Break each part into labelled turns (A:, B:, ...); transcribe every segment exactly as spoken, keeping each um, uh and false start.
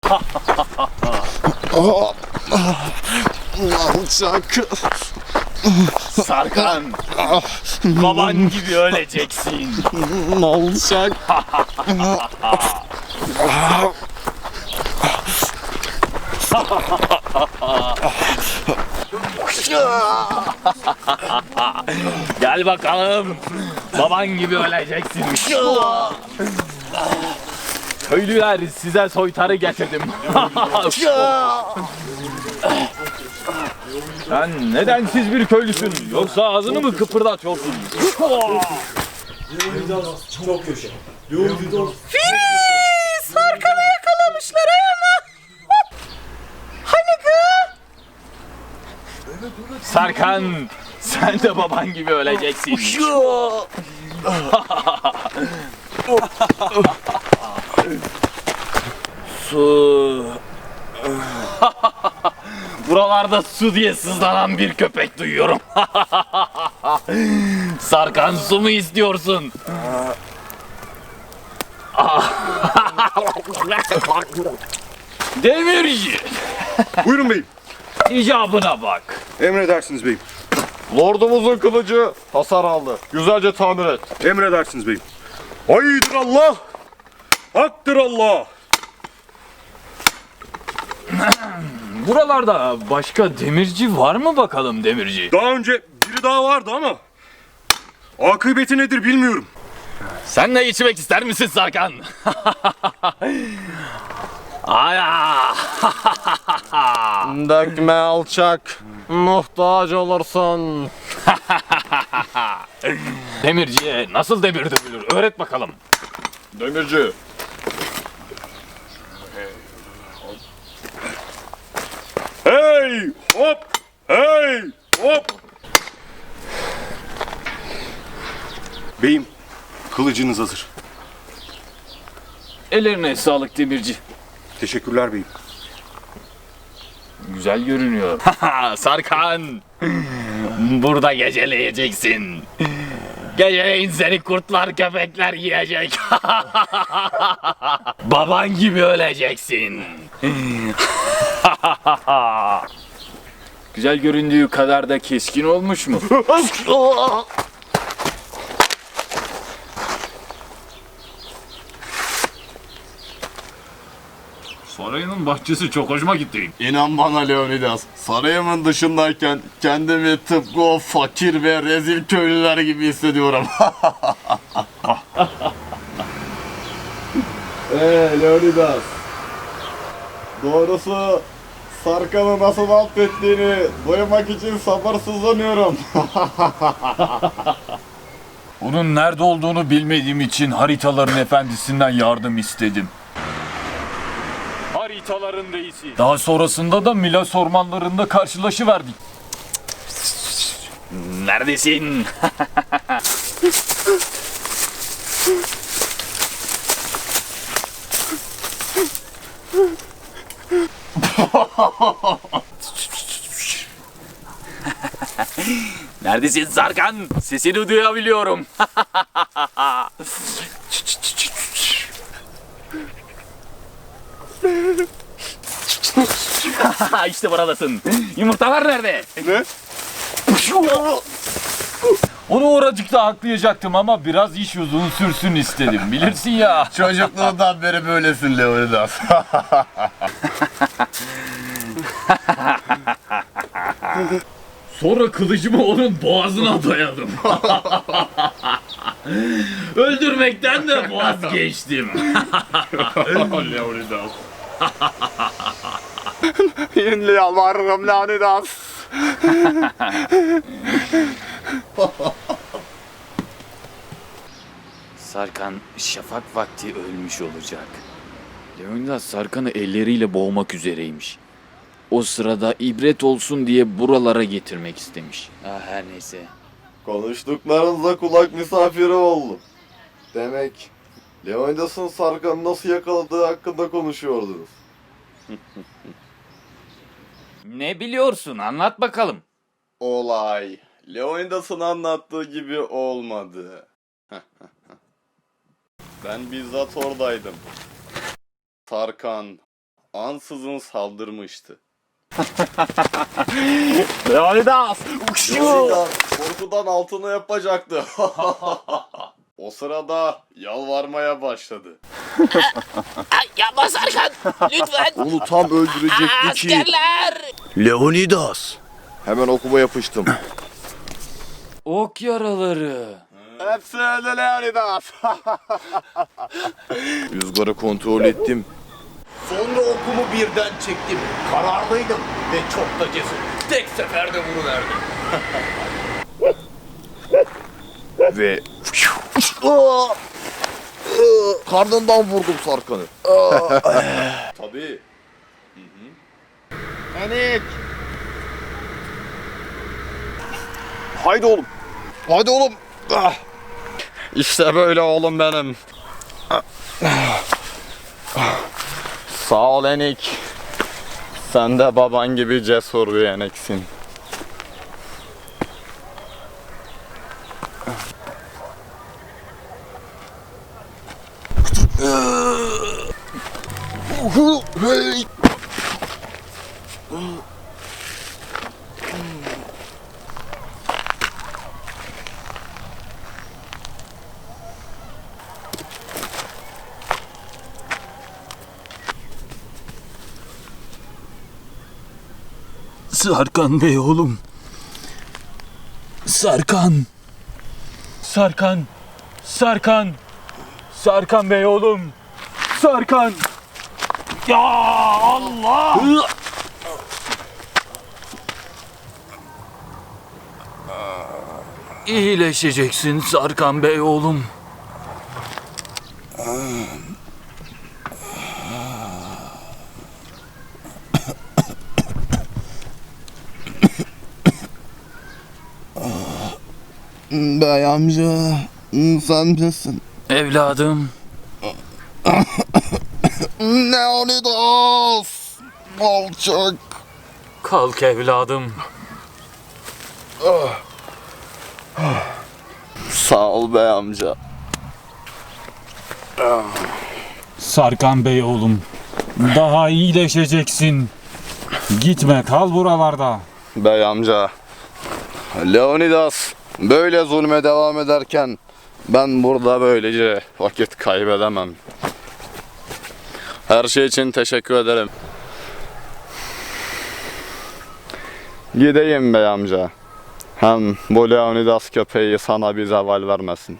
A: Alçak.
B: Sarkan, baban gibi öleceksin.
A: Alçak.
B: Gel bakalım, baban gibi öleceksin. Köylüler, size soytarı getirdim. Sen nedensiz bir köylüsün, yoksa ağzını mı kıpırdatıyorsun?
C: Çok köşe.
D: Filiz! Sarkan'ı yakalamışlar ayağına. Hani kız?
B: Sarkan, sen de baban gibi öleceksin. Su. Buralarda su diye sızlanan bir köpek duyuyorum. Sarkan, su mu istiyorsun? Demirci,
A: Buyurun beyim.
B: icabına bak.
A: Emredersiniz beyim.
E: Lordumuzun kılıcı hasar aldı. Güzelce tamir et.
A: Emredersiniz beyim. Haydır Allah. Haktır Allah.
B: Buralarda başka demirci var mı bakalım demirci?
A: Daha önce biri daha vardı ama akıbeti nedir bilmiyorum.
B: Sen de içmek ister misin Sarkan? Aya!
E: Dökme alçak. Muhtaç olursun.
B: Demirciye nasıl demir dövülür? Öğret bakalım.
E: Demirci.
A: Hey hop. Hey hop. Beyim, kılıcınız hazır.
B: Ellerine sağlık demirci.
A: Teşekkürler beyim.
B: Güzel görünüyor. Sarkan! Burada geceleyeceksin. Geceleyin seni kurtlar köpekler yiyecek. Baban gibi öleceksin. Güzel göründüğü kadar da keskin olmuş mu? Sarayının bahçesi çok hoşuma gitti.
E: İnan bana Leonidas. Sarayımın dışındayken kendimi tıpkı o fakir ve rezil köylüler gibi hissediyorum. Eee Leonidas. Doğrusu Sarkan'ı nasıl affettiğini duymak için sabırsızlanıyorum.
B: Onun nerede olduğunu bilmediğim için haritaların efendisinden yardım istedim. Haritaların reisi. Daha sonrasında da Milas ormanlarında karşılaşıverdik. Neredesin? Neredesin Sarkan? Sesini duyabiliyorum. İşte buradasın. Yumurtalar nerede?
E: Ne?
B: Onu oracıkta haklayacaktım ama biraz iş uzun sürsün istedim. Bilirsin ya.
E: Çocukluğundan beri böylesin Leonidas.
B: Sonra kılıcımı onun boğazına dayadım. Öldürmekten de vazgeçtim.
E: Leonidas. Yine yalvarırım Leonidas.
B: Sarkan şafak vakti ölmüş olacak. Leonidas Sarkan'ı elleriyle boğmak üzereymiş. O sırada ibret olsun diye buralara getirmek istemiş. Ah, her neyse.
E: Konuştuklarınızda kulak misafiri oldum. Demek Leonidas'ın Sarkan'ı nasıl yakaladığı hakkında konuşuyordunuz.
B: Ne biliyorsun? Anlat bakalım.
E: Olay Leonidas'ın anlattığı gibi olmadı. Ben bizzat oradaydım. Sarkan ansızın saldırmıştı.
B: Leonidas!
E: Leonidas korkudan altını yapacaktı. O sırada yalvarmaya başladı.
D: Ay, yapma Sarkan. Lütfen.
E: Onu tam öldürecekti ki.
D: Askerler.
E: Leonidas. Hemen okuma yapıştım.
B: Ok yaraları.
E: Hepsi öldü Leonidas. Rüzgarı kontrol ettim.
C: Sonra okumu birden çektim. Kararlıydım ve çok da cesur. Tek seferde vuruverdim.
E: Ve karnından vurdum Sarkan'ı. Tabii. Enik. Haydi oğlum. Haydi oğlum. Ah. İşte böyle oğlum benim. Sağ ol Enik. Sen de baban gibi cesur bir Enik'sin.
F: Sarkan Bey oğlum. Sarkan. Sarkan. Sarkan. Sarkan Bey oğlum. Sarkan. Ya Allah. İyileşeceksin Sarkan Bey oğlum.
E: Bey amca, sen misin?
F: Evladım.
E: Leonidas! Alçak!
F: Kalk evladım.
E: Sağ ol bey amca.
F: Sarkan Bey oğlum. Daha iyileşeceksin. Gitme, kal buralarda.
E: Bey amca, Leonidas böyle zulme devam ederken ben burada böylece vakit kaybedemem. Her şey için teşekkür ederim. Gideyim bey amca. Hem bu Leonidas köpeği sana bir zeval vermesin.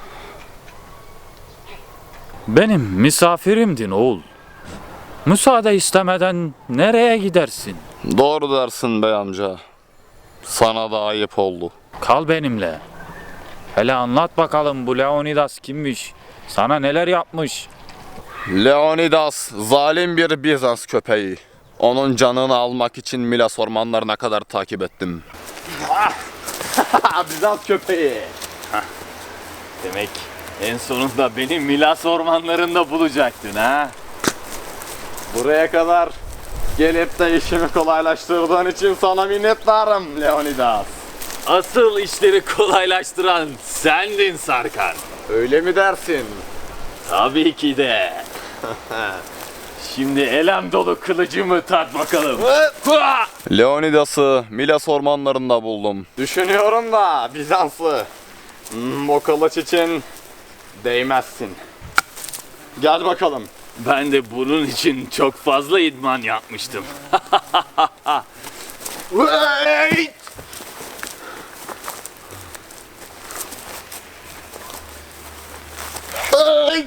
F: Benim misafirimdin oğul. Müsaade istemeden nereye gidersin?
E: Doğru dersin bey amca. Sana da ayıp oldu.
F: Kal benimle. Hele anlat bakalım bu Leonidas kimmiş? Sana neler yapmış?
E: Leonidas zalim bir Bizans köpeği. Onun canını almak için Milas ormanlarına kadar takip ettim.
B: Bizans köpeği. Demek en sonunda beni Milas ormanlarında bulacaktın ha?
E: Buraya kadar gelip de işimi kolaylaştırdığın için sana minnettarım Leonidas.
B: Asıl işleri kolaylaştıran sendin Sarkan.
E: Öyle mi dersin?
B: Tabii ki de. Şimdi elem dolu kılıcımı tat bakalım. Hua!
E: Leonidas'ı Milas ormanlarında buldum. Düşünüyorum da Bizanslı. Hmm, o kılıç için değmezsin. Gel bakalım.
B: Ben de bunun için çok fazla idman yapmıştım.
E: Wait! Hey!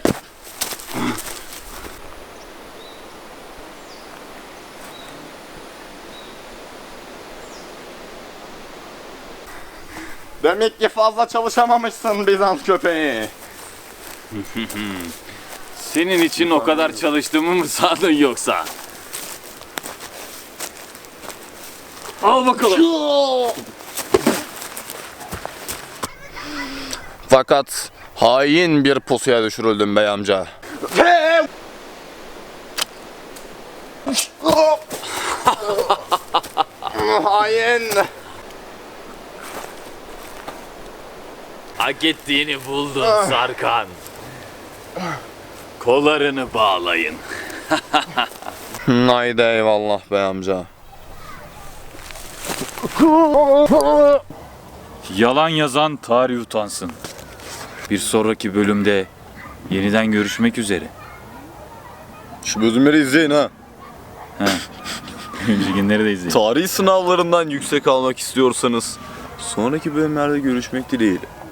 E: Demek ki fazla çalışamamışsın Bizans köpeği.
B: Senin için o kadar çalıştığımı mı sandın yoksa? Al bakalım.
E: Fakat hain bir pusuya düşürüldüm bey amca. Hain.
B: Hak ettiğini buldun Sarkan. Kollarını bağlayın.
E: Haydi eyvallah bey amca.
F: Yalan yazan tarih utansın. Bir sonraki bölümde yeniden görüşmek üzere.
E: Şu bölümleri izleyin ha.
F: Önceki günleri de izleyin.
E: Tarih sınavlarından yüksek almak istiyorsanız sonraki bölümlerde görüşmek dileğiyle.